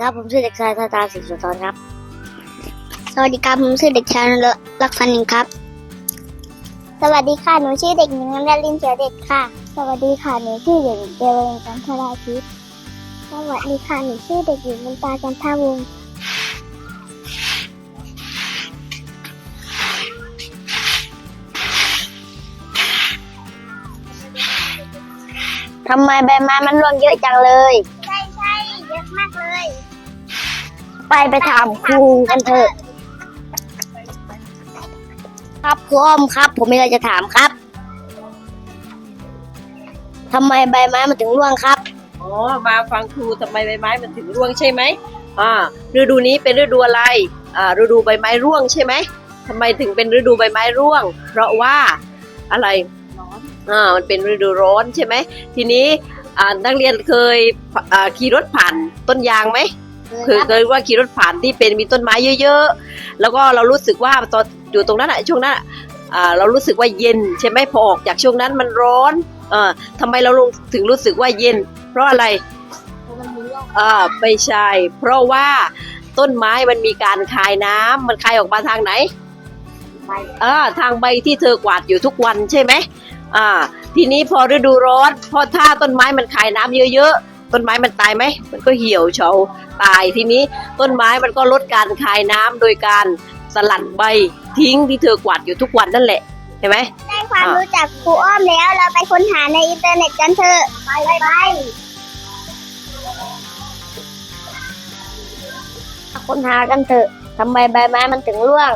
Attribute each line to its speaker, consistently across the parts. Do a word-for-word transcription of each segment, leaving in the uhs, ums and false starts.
Speaker 1: ครับผมชื่อเด็กชายธาตาศรีสุนทรครับ
Speaker 2: สวัสดีครับผมชื่อเด็กชายลักษณินครับสวัสดีค่ะหนูชื่อเด็กหญิงนลินเขียวเด็กค่ะสวัสดีค่ะหนูชื่อเด็กหญิงเดวินจันทราทิพย์สวัสดีค่ะหนูชื่อเด็กหญิงมนตาจันทวงศ์
Speaker 1: ทำไมใบไม้มันร่วงเยอะจังเลย
Speaker 2: ใช่ใช่เยอะมากเลย
Speaker 1: ไปไปถามครูกันเถอะครับครูอ้อมครับผมมีอะไรจะถามครับทำไมใบไม้มันถึงร่วงครับ
Speaker 3: อ๋อมาฟังครูทำไมใบไม้มันถึงร่วงใช่ไหมอ่าฤดูนี้เป็นฤดูอะไรอ่าฤดูใบไม้ร่วงใช่ไหมทำไมถึงเป็นฤดูใบไม้ร่วงเพราะว่าอะไรอ่ามันเป็นฤดูร้อนใช่ไหมทีนี้อ่านักเรียนเคยอ่าขี่รถผ่านต้นยางไหมเคยเคยว่าขี่รถผ่านที่เป็นมีต้นไม้เยอะๆแล้วก็เรารู้สึกว่าตอนอยู่ตรงนั้นอะช่วงนั้นอ่าเรารู้สึกว่าเย็นใช่ไหมพอออกจากช่วงนั้นมันร้อนเออทำไมเราถึงรู้สึกว่าเย็นเพราะอะไรอ่าไม่ใช่เพราะว่าต้นไม้มันมีการคายน้ำมันคายออกมาทางไหนใบอ่าทางใบที่เธอกวาดอยู่ทุกวันใช่ไหมอ่าทีนี้พอฤดูร้อนพอถ้าต้นไม้มันคายน้ำเยอะๆต้นไม้มันตายไหมมันก็เหี่ยวเฉาตายทีนี้ต้นไม้มันก็ลดการคายน้ำโดยการสลัดใบทิ้งที่เธอกวาดอยู่ทุกวันนั่นแหละเห็นไหม
Speaker 2: ได้ความรู้จากครูอ้อมแล้วเราไปค้นหาในอินเทอร์เน็ตกันเถอะไปไปไป
Speaker 1: ค้นหากันเถอะทำไมใบไม้มันถึงร่วง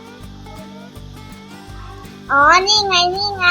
Speaker 2: อ๋อนี่ไงนี่ไง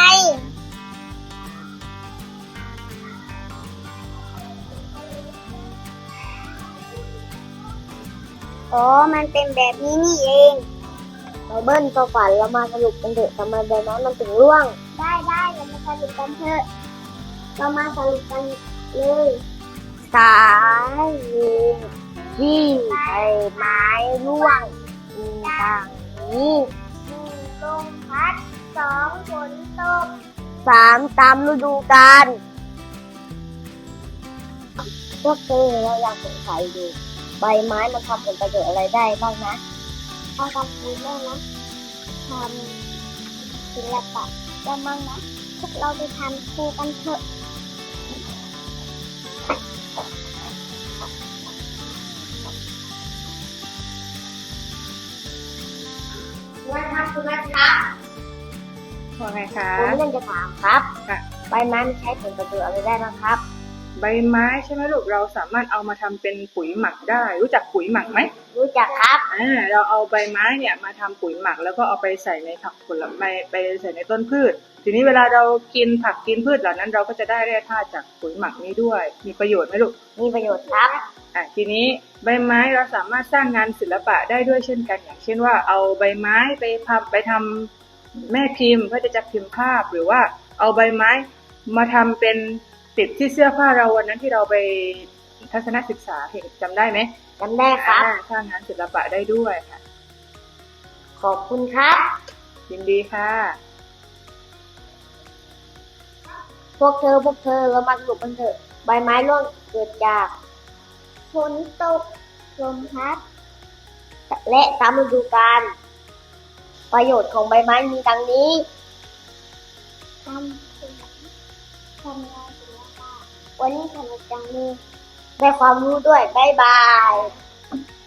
Speaker 2: อ๋อมันเป็นแบบนี้นี่เอง
Speaker 1: ไบเบิ้ลตัวฝันเรามาสรุปกันเถอะทำไมใบไม้มันถึงร่วง
Speaker 2: ได้ได้เรามาสรุปกันเถอะเรามาสรุปกันเลย
Speaker 1: สาเหตุที่ใบไม้ร่วงมีดังนี้
Speaker 2: หนึ่งลมพัดสองฝนตก
Speaker 1: สามตามฤดูกาลพวกเธอเราอยากสงสัยดูใบไม้มันทำผลประโยชน์อะไรได้บ้างนะ
Speaker 2: เอาทำบุญได้นะทำศิลปะได้มั้งนะพวกเราไปทำครูกันเถอะ
Speaker 1: ว่าครับคุณนัทครับ
Speaker 4: ว่าไงคะ
Speaker 1: ผมมีเรื่องจะถามครับ
Speaker 4: ค่ะ
Speaker 1: ใบไม้มันใช้ผลประโยชน์อะไรได้บ้างครับ
Speaker 4: ใบไม้ใช่ไหมลูกเราสามารถเอามาทำเป็นปุ๋ยหมักได้รู้จักปุ๋ยหมักไหม
Speaker 1: รู้จักครับ
Speaker 4: อ่าเราเอาใบไม้เนี่ยมาทำปุ๋ยหมักแล้วก็เอาไปใส่ในผักผลไม้ไปใส่ในต้นพืชทีนี้เวลาเรากินผักกินพืชเหล่านั้นเราก็จะได้แร่ธาตุจากปุ๋ยหมักนี้ด้วยมีประโยชน์ไหมลูก
Speaker 1: มีประโยชน์ครับ
Speaker 4: อ่าทีนี้ใบไม้เราสามารถสร้างงานศิลปะได้ด้วยเช่นกันอย่างเช่นว่าเอาใบไม้ไปทำไปทำแม่พิมพ์เพื่อจะพิมพ์ภาพหรือว่าเอาใบไม้มาทำเป็นติดที่เสื้อผ้าเราวันนั้นที่เราไปทัศนศึกษาเห็นจำได้ไหม
Speaker 1: จำได้ครับ
Speaker 4: สร้างงานศิลปะได้ด้วยค่ะ
Speaker 1: ขอบคุณครับ
Speaker 4: ยินดีค่ะ
Speaker 1: พวกเธอพวกเธอเรามาสรุปกันเถอะใบไม้ร่วงเกิดจาก
Speaker 2: ฝนตกลมพัด
Speaker 1: และตามฤดูกาลประโยชน์ของใบไม้มีดังนี้
Speaker 2: ทำสวนทำงานศิลปะวันนี้สนุกจังเลย
Speaker 1: ได้ความรู้ด้วยบ๊ายบาย